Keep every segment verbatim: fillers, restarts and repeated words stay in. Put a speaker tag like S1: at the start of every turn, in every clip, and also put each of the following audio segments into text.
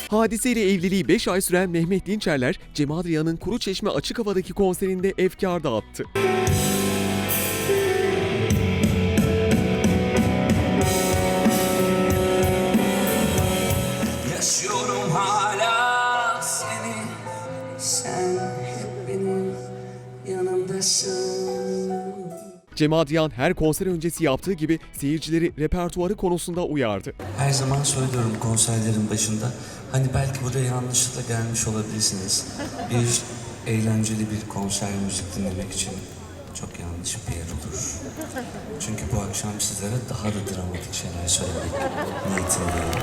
S1: Hadise ile evliliği beş ay süren Mehmet Dinçerler, Cem Adrian'ın Kuruçeşme açık havadaki konserinde efkar dağıttı.
S2: Yaşıyorum hala seni, sen hep benim yanımdasın.
S1: Cem Adrian her konser öncesi yaptığı gibi seyircileri repertuarı konusunda uyardı.
S3: Her zaman söylüyorum konserlerin başında, hani belki buraya yanlışlıkla gelmiş olabilirsiniz. Bir eğlenceli bir konser müzik dinlemek için çok yanlış bir yer olur. Çünkü bu akşam sizlere daha da dramatik şeyler söylemek niyetindeyim.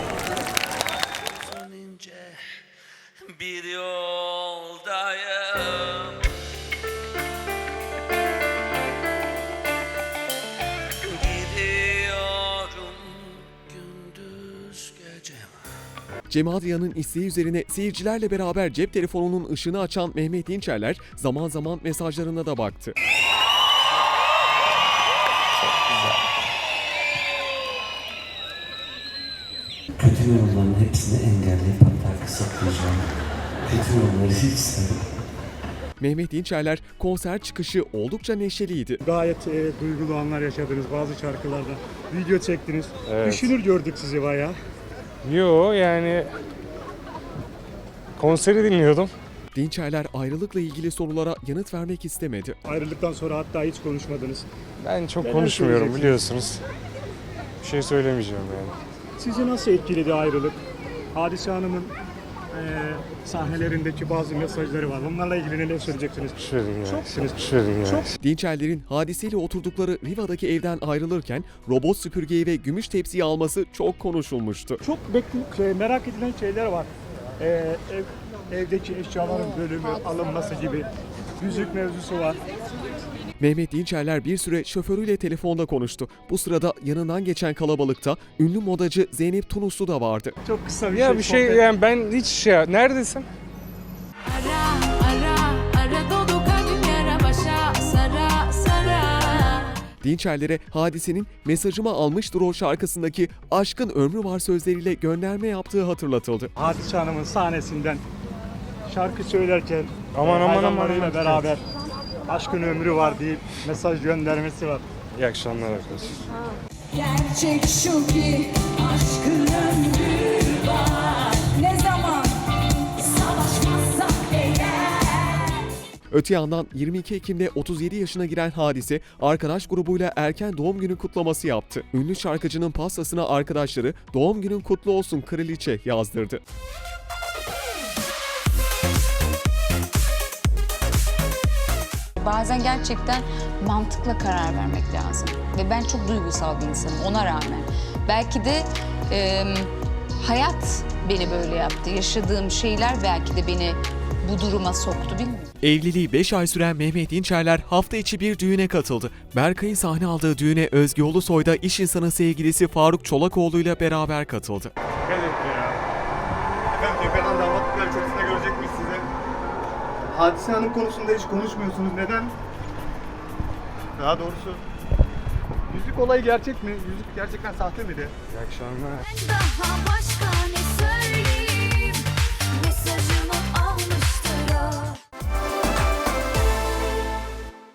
S2: Önce bir yoldayım. Gidiyorum gündüz gece.
S1: Cem Adrian'ın isteği üzerine seyircilerle beraber cep telefonunun ışığını açan Mehmet Dinçerler zaman zaman mesajlarına da baktı.
S3: Kötü yorumların hepsini engelleyip hatta kısıtlayacağım. Kötü yorumları hiç istemem.
S1: Mehmet Dinçerler konser çıkışı oldukça neşeliydi.
S4: Gayet e, duygulu anlar yaşadınız bazı şarkılarda. Video çektiniz.
S5: Evet.
S4: Düşünür gördük sizi bayağı.
S5: Yo yani konseri dinliyordum.
S1: Dinçerler ayrılıkla ilgili sorulara yanıt vermek istemedi.
S4: Ayrılıktan sonra hatta hiç konuşmadınız.
S5: Ben çok
S4: Neler
S5: konuşmuyorum
S4: söyleyeceksiniz?
S5: biliyorsunuz. Bir şey söylemeyeceğim yani.
S4: Sizi nasıl etkiledi ayrılık? Hadise Hanım'ın e, sahnelerindeki bazı mesajları var. Onlarla ilgili neler söyleyeceksiniz?
S5: Şuradayım ya.
S4: Çoksınız.
S5: Şuradayım ya.
S4: Çok.
S1: Dinçerler'in hadiseyle oturdukları Riva'daki evden ayrılırken robot süpürgeyi ve gümüş tepsiyi alması çok konuşulmuştu.
S4: Çok bekle, şey, merak edilen şeyler var. E, ev, evdeki eşyaların bölümü, alınması gibi. Yüzük mevzusu var.
S1: Mehmet Dinçerler bir süre şoförüyle telefonda konuştu. Bu sırada yanından geçen kalabalıkta ünlü modacı Zeynep Tunuslu da vardı.
S4: Çok kısa bir
S5: Ya
S4: şey.
S5: bir şey
S4: sohbet.
S5: yani ben hiç şey neredesin?
S6: Ara ara ara dolu kalbim yara başa sara sara.
S1: Dinçerler'e hadisenin "Mesajımı almıştır o" şarkısındaki "Aşkın ömrü var" sözleriyle gönderme yaptığı hatırlatıldı.
S4: Hadise Hanım'ın sahnesinden şarkı söylerken
S5: Aman,
S4: e,
S5: aman,
S4: hayranlarıyla
S5: aman, aman.
S4: beraber aşkın ömrü var deyip mesaj göndermesi var.
S5: İyi akşamlar arkadaşlar.
S6: Gerçek şu ki aşkın ömrü var. Ne zaman savaşmazsak eğer.
S1: Öte yandan yirmi iki Ekim'de otuz yedi yaşına giren Hadise, arkadaş grubuyla erken doğum günü kutlaması yaptı. Ünlü şarkıcının pastasına arkadaşları "Doğum günün kutlu olsun kraliçe" yazdırdı.
S7: Bazen gerçekten mantıkla karar vermek lazım. Ve ben çok duygusal bir insanım ona rağmen. Belki de e, hayat beni böyle yaptı. Yaşadığım şeyler belki de beni bu duruma soktu, bilmiyorum.
S1: Evliliği beş ay süren Mehmet Dinçerler hafta içi bir düğüne katıldı. Berkay'ın sahne aldığı düğüne Özge Ulusoy da iş insanı sevgilisi Faruk Çolakoğlu ile beraber katıldı.
S8: Evet ya. Efendim Gökhan damatlık açılışında görecek miyiz sizi? Hadise Hanım konusunda hiç konuşmuyorsunuz. Neden? Daha doğrusu yüzük olayı gerçek mi? Yüzük gerçekten sahte miydi?
S5: İyi akşamlar.
S6: Daha başka ne